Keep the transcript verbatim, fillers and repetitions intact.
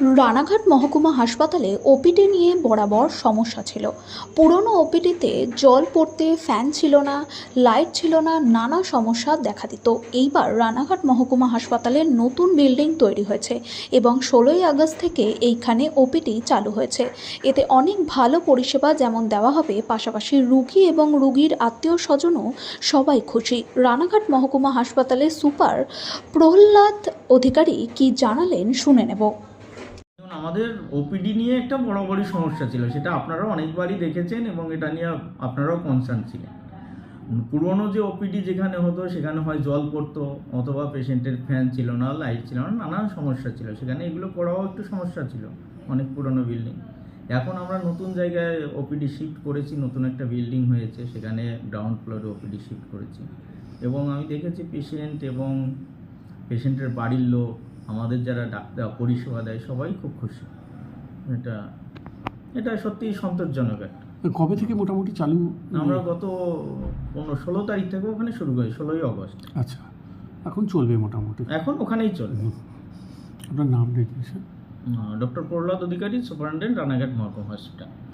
রানাঘাট মহকুমা হাসপাতালে ওপিডি নিয়ে বরাবর সমস্যা ছিল। পুরনো ওপিডিতে জল পড়তে, ফ্যান ছিল না, লাইট ছিল না, নানা সমস্যা দেখা দিত। এইবার রানাঘাট মহকুমা হাসপাতালে নতুন বিল্ডিং তৈরি হয়েছে এবং ষোলোই আগস্ট থেকে এইখানে ওপিডি চালু হয়েছে। এতে অনেক ভালো পরিষেবা যেমন দেওয়া হবে, পাশাপাশি রুগী এবং রুগীর আত্মীয় স্বজনও সবাই খুশি। রানাঘাট মহকুমা হাসপাতালের সুপার প্রহ্লাদ অধিকারী কি জানালেন শুনে নেব। আমাদের ওপিডি নিয়ে একটা বড় বড় সমস্যা ছিল, সেটা আপনারাও অনেকবারই দেখেছেন এবং এটা নিয়ে আপনারাও কনসার্ন ছিলেন। পুরনো যে ওপিডি যেখানে হতো সেখানে হয় জল পড়তো, অথবা পেশেন্টের ফ্যান ছিল না, লাইট ছিল না, নানান সমস্যা ছিল। সেখানে এগুলো করাও একটু সমস্যা ছিল, অনেক পুরনো বিল্ডিং। এখন আমরা নতুন জায়গায় ওপিডি শিফট করেছি, নতুন একটা বিল্ডিং হয়েছে, সেখানে গ্রাউন্ড ফ্লোরে ওপিডি শিফট করেছি এবং আমি দেখেছি পেশেন্ট এবং পেশেন্টের বাড়ির লোক, আমাদের যারা ডাক্তার পরিষেবা দেয়, সবাই খুব খুশি। এটা এটা সত্যিই সন্তোষজনক একটা। কবে থেকে মোটামুটি চালু? আমরা গত পনেরো ষোলো তারিখ থেকে ওখানে শুরু করি, ষোলোই আগস্ট। আচ্ছা, এখন চলবে মোটামুটি? এখন ওখানেই চলবে। আপনার নাম রেখেছেন? ডক্টর প্রহ্লাদ অধিকারী, সুপারিনটেন্ডেন্ট, রানাঘাট মহকুমা হসপিটাল।